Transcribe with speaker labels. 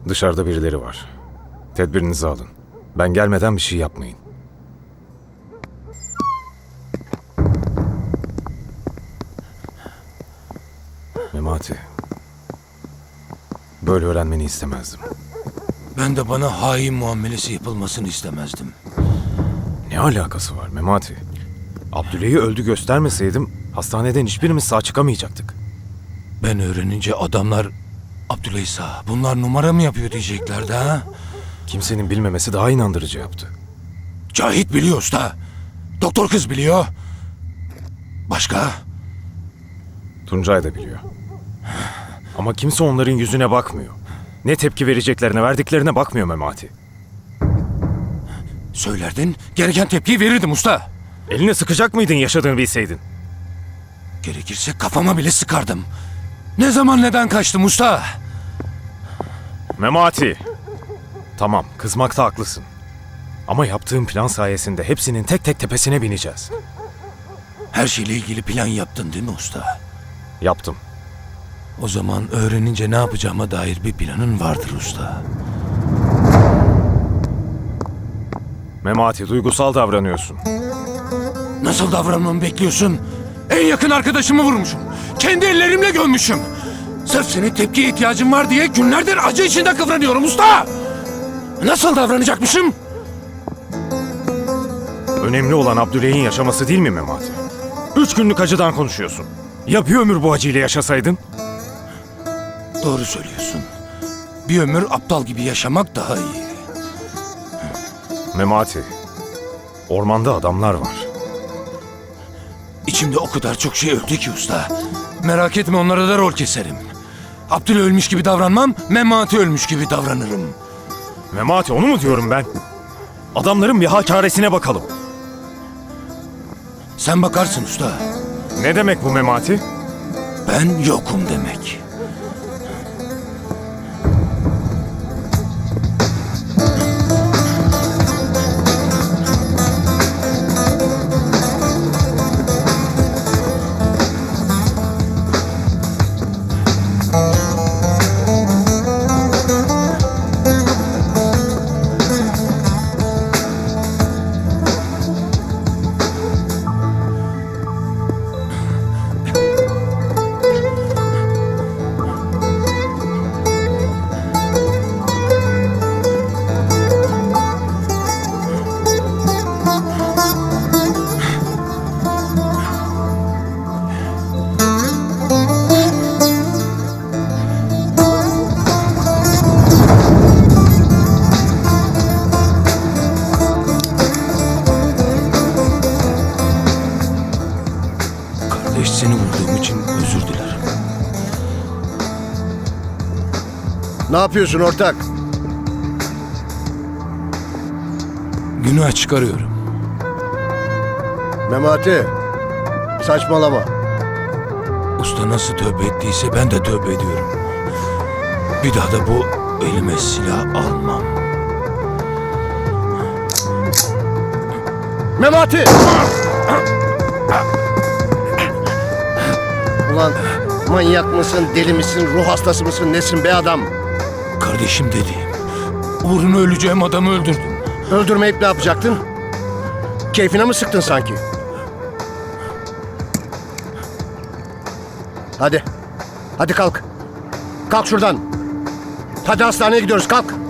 Speaker 1: Dışarıda birileri var. Tedbirinizi alın. Ben gelmeden bir şey yapmayın. Memati. Böyle öğrenmeni istemezdim.
Speaker 2: Ben de bana hain muamelesi yapılmasını istemezdim.
Speaker 1: Ne alakası var Memati? Abdüley'i öldü göstermeseydim hastaneden hiçbirimiz sağ çıkamayacaktık.
Speaker 2: Ben öğrenince adamlar Abdüley sağ, bunlar numara mı yapıyor diyeceklerdi ha?
Speaker 1: Kimsenin bilmemesi daha inandırıcı yaptı.
Speaker 2: Cahit biliyor usta. Doktor kız biliyor. Başka?
Speaker 1: Tuncay da biliyor. Ama kimse onların yüzüne bakmıyor. Ne tepki vereceklerine, verdiklerine bakmıyor Memati.
Speaker 2: Söylerdin, gereken tepkiyi verirdim usta.
Speaker 1: Eline sıkacak mıydın yaşadığını bilseydin?
Speaker 2: Gerekirse kafama bile sıkardım. Ne zaman neden kaçtım usta?
Speaker 1: Memati! Tamam, kızmakta haklısın. Ama yaptığım plan sayesinde hepsinin tek tek tepesine bineceğiz.
Speaker 2: Her şeyle ilgili plan yaptın değil mi usta?
Speaker 1: Yaptım.
Speaker 2: O zaman öğrenince ne yapacağıma dair bir planın vardır usta.
Speaker 1: Memati, duygusal davranıyorsun.
Speaker 2: Nasıl davranmamı bekliyorsun? En yakın arkadaşımı vurmuşum. Kendi ellerimle gömmüşüm. Sırf senin tepkiye ihtiyacın var diye günlerdir acı içinde kıvranıyorum usta. Nasıl davranacakmışım?
Speaker 1: Önemli olan Abdüley'in yaşaması değil mi Memati? 3 günlük acıdan konuşuyorsun. Ya bir ömür bu acıyla yaşasaydın?
Speaker 2: Doğru söylüyorsun. Bir ömür aptal gibi yaşamak daha iyi.
Speaker 1: Memati, ormanda adamlar var.
Speaker 2: İçimde o kadar çok şey öldü ki usta. Merak etme, onlara da rol keserim. Abdül ölmüş gibi davranmam, Memati ölmüş gibi davranırım.
Speaker 1: Memati, onu mu diyorum ben? Adamların bir hakaresine bakalım.
Speaker 2: Sen bakarsın usta.
Speaker 1: Ne demek bu Memati?
Speaker 2: Ben yokum demek. Kardeş, seni vurduğum için özür dilerim.
Speaker 3: Ne yapıyorsun ortak?
Speaker 2: Günah çıkarıyorum.
Speaker 3: Memati, saçmalama.
Speaker 2: Usta nasıl tövbe ettiyse ben de tövbe ediyorum. Bir daha da bu elime silah almam.
Speaker 3: Memati! Ulan manyak mısın, deli misin, ruh hastası mısın, nesin be adam?
Speaker 2: Kardeşim dediğim, uğruna öleceğim adamı öldürdüm.
Speaker 3: Öldürmeyip ne yapacaktın? Keyfine mi sıktın sanki? Hadi, hadi kalk. Kalk şuradan. Hadi hastaneye gidiyoruz, kalk.